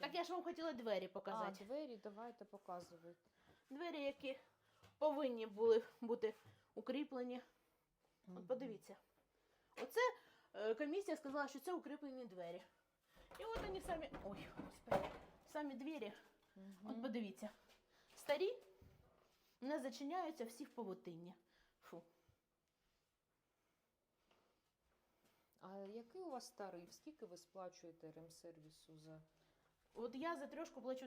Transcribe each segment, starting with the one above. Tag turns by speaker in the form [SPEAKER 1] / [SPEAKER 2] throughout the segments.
[SPEAKER 1] Так я ж вам хотіла двері показати.
[SPEAKER 2] А, двері, давайте показувати.
[SPEAKER 1] Двері, які повинні були бути укріплені. От подивіться. Оце комісія сказала, що це укріплені двері. І от вони самі, ой, господи, самі двері, от подивіться, старі, не зачиняються, всі в павутинні. Фу.
[SPEAKER 2] А який у вас тариф? Скільки ви сплачуєте ремсервісу за...
[SPEAKER 1] От я за трьошку плачу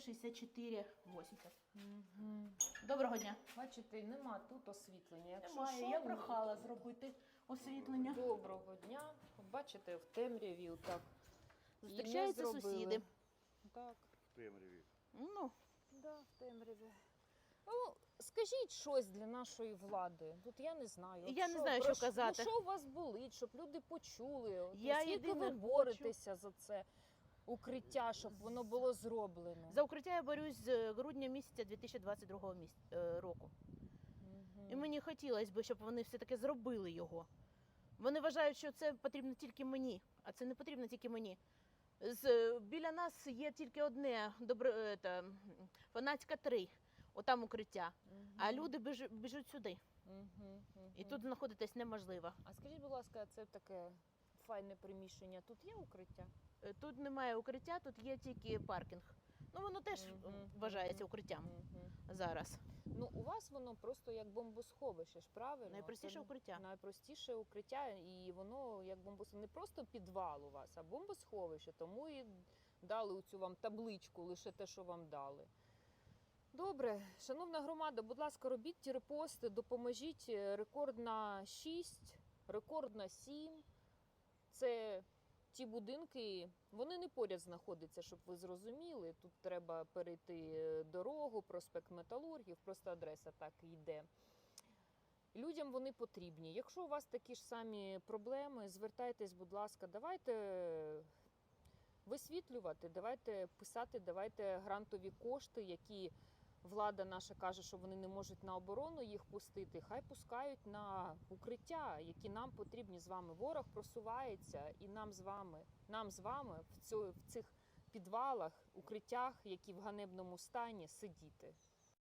[SPEAKER 1] 364,80. Доброго дня.
[SPEAKER 2] Бачите, нема тут освітлення. Якщо
[SPEAKER 1] Немає,
[SPEAKER 2] що,
[SPEAKER 1] я прохала зробити освітлення.
[SPEAKER 2] Доброго дня. Бачите, в темряві так.
[SPEAKER 1] Зустрічаються сусіди.
[SPEAKER 2] Так.
[SPEAKER 3] В темряві.
[SPEAKER 1] Ну,
[SPEAKER 2] Да, в темряві. Ну, скажіть щось для нашої влади. Тут я не знаю. От
[SPEAKER 1] Я не знаю, що казати.
[SPEAKER 2] Ну, що у вас болить, щоб люди почули? От,
[SPEAKER 1] Я
[SPEAKER 2] скільки
[SPEAKER 1] єдине
[SPEAKER 2] ви боретеся за це укриття, щоб воно було зроблено?
[SPEAKER 1] за укриття я борюсь з грудня місяця 2022 року. І мені хотілося б, щоб вони все-таки зробили його. Вони вважають, що це потрібно тільки мені, а це не потрібно тільки мені. Біля нас є тільки одне, Фанатська 3, отам укриття, а люди біжуть сюди. І тут знаходитись неможливо.
[SPEAKER 2] А скажіть, будь ласка, це таке файне приміщення. Тут є укриття?
[SPEAKER 1] Тут немає укриття, тут є тільки паркінг. Ну, воно теж вважається укриттям зараз.
[SPEAKER 2] Ну, у вас воно просто як бомбосховище ж, правильно?
[SPEAKER 1] Найпростіше
[SPEAKER 2] Це
[SPEAKER 1] укриття.
[SPEAKER 2] Найпростіше укриття, і воно як бомбосховище. Не просто підвал у вас, а бомбосховище. Тому і дали цю вам табличку, лише те, що вам дали. Добре, шановна громада, будь ласка, робіть ті репости, допоможіть. Рекорд на 6, рекорд на 7. Це ті будинки, вони не поряд знаходяться, щоб ви зрозуміли. Тут треба перейти дорогу, проспект Металургів, просто адреса так йде. Людям вони потрібні. Якщо у вас такі ж самі проблеми, звертайтесь, будь ласка, давайте висвітлювати, давайте писати, давайте грантові кошти, які влада наша каже, що вони не можуть на оборону їх пустити, хай пускають на укриття, які нам потрібні з вами. Ворог просувається, і нам з вами в цих підвалах, укриттях, які в ганебному стані, сидіти.